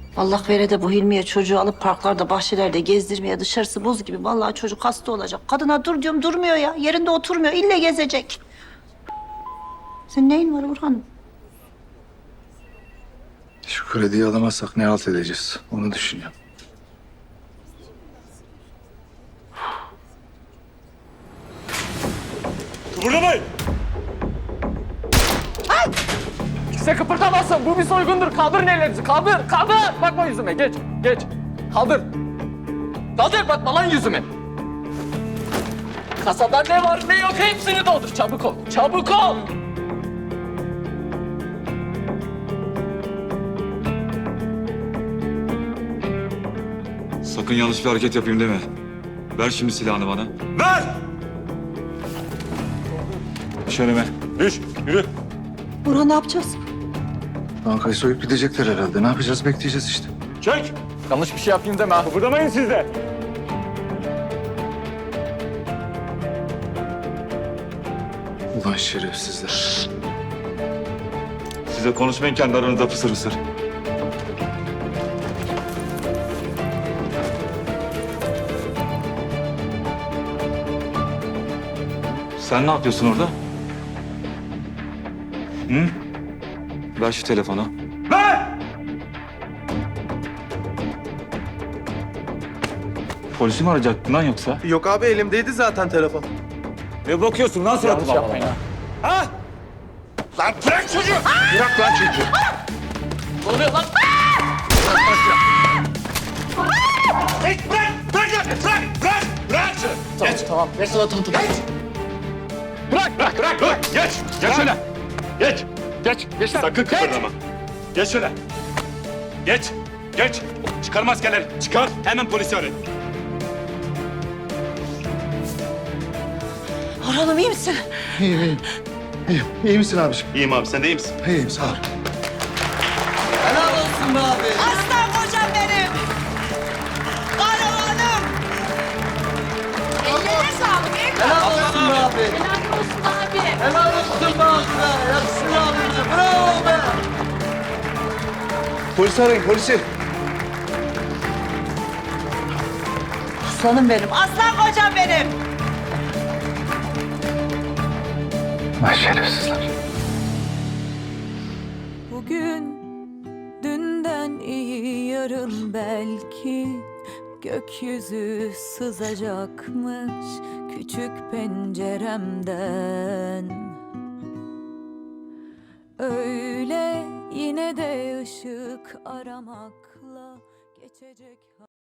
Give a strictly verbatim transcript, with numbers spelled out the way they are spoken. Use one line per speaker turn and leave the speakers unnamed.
Allah vere de bu Hilmiye çocuğu alıp parklarda, bahçelerde gezdirmeye, dışarısı buz gibi. Vallahi çocuk hasta olacak. Kadına dur diyorum durmuyor ya. Yerinde oturmuyor. İlle gezecek. Senin neyin var Orhan'ım?
Şu krediyi alamazsak ne halt edeceğiz? Onu düşünüyorum.
Kıpırdamayın!
Kimse kıpırdamasın. Bu bir soygundur. Kaldır ellerinizi. Kaldır. Kaldır. Bakma yüzüme. Geç. Geç. Kaldır. Kaldır. Bakma lan yüzüme. Kasada ne var ne yok hepsini doldur. Çabuk ol. Çabuk ol.
Sakın yanlış bir hareket yapayım deme. Ver şimdi silahını bana.
Ver!
Düş önüme.
Düş, yürü.
Orhan ne yapacağız?
Bankayı soyup gidecekler herhalde. Ne yapacağız? Bekleyeceğiz işte.
Çek!
Yanlış bir şey yapayım deme ha.
Kıpırdamayın siz de.
Ulan şerefsizler.
Size konuşmayın kendi aranızda fısır fısır. Sen ne yapıyorsun orada? Hı? Ver şu telefonu.
Ver!
Polisi mi arayacaktın lan yoksa?
Yok abi elimdeydi zaten telefon.
Ne bakıyorsun lan
Yanlış
suratıma?
yapmayın ha.
Ha? Lan bırak çocuğu!
Bırak lan çocuğu.
Ne oluyor lan?
Hey, bırak! Bırak lan! Bırak! Bırak! Bırak şunu!
Tamam,
Geç!
tamam. Ver sana tanıtım.
Geç! Bırak! Bırak! Bırak! Bırak! Geç! Geç şöyle! Geç!
Geç. Geç lan.
Sakın
Geç.
kıpırdama. Geç şöyle! Geç! Geç! Çıkar maskeleri! Çıkar! Hemen polisi arayın.
Orhan'ım iyi misin?
İyiyim, iyiyim. İyiyim. İyi misin abiciğim?
İyiyim abi, sen de iyi misin?
İyiyim, sağ ol.
Helal olsun be abi.
Aslan kocam benim. Kahramanım. Ellerine sağlık.
Helal olsun be abi.
Helal olsun abi.
Helal olsun be abi be. Yaksın abicim. Bravo be.
Polisi arayın, polisi.
Aslanım benim. Aslan kocam benim.
Vay şerefsizler.
Bugün dünden iyi yarın belki gökyüzü sızacakmış küçük penceremden. Öyle yine de ışık aramakla geçecek.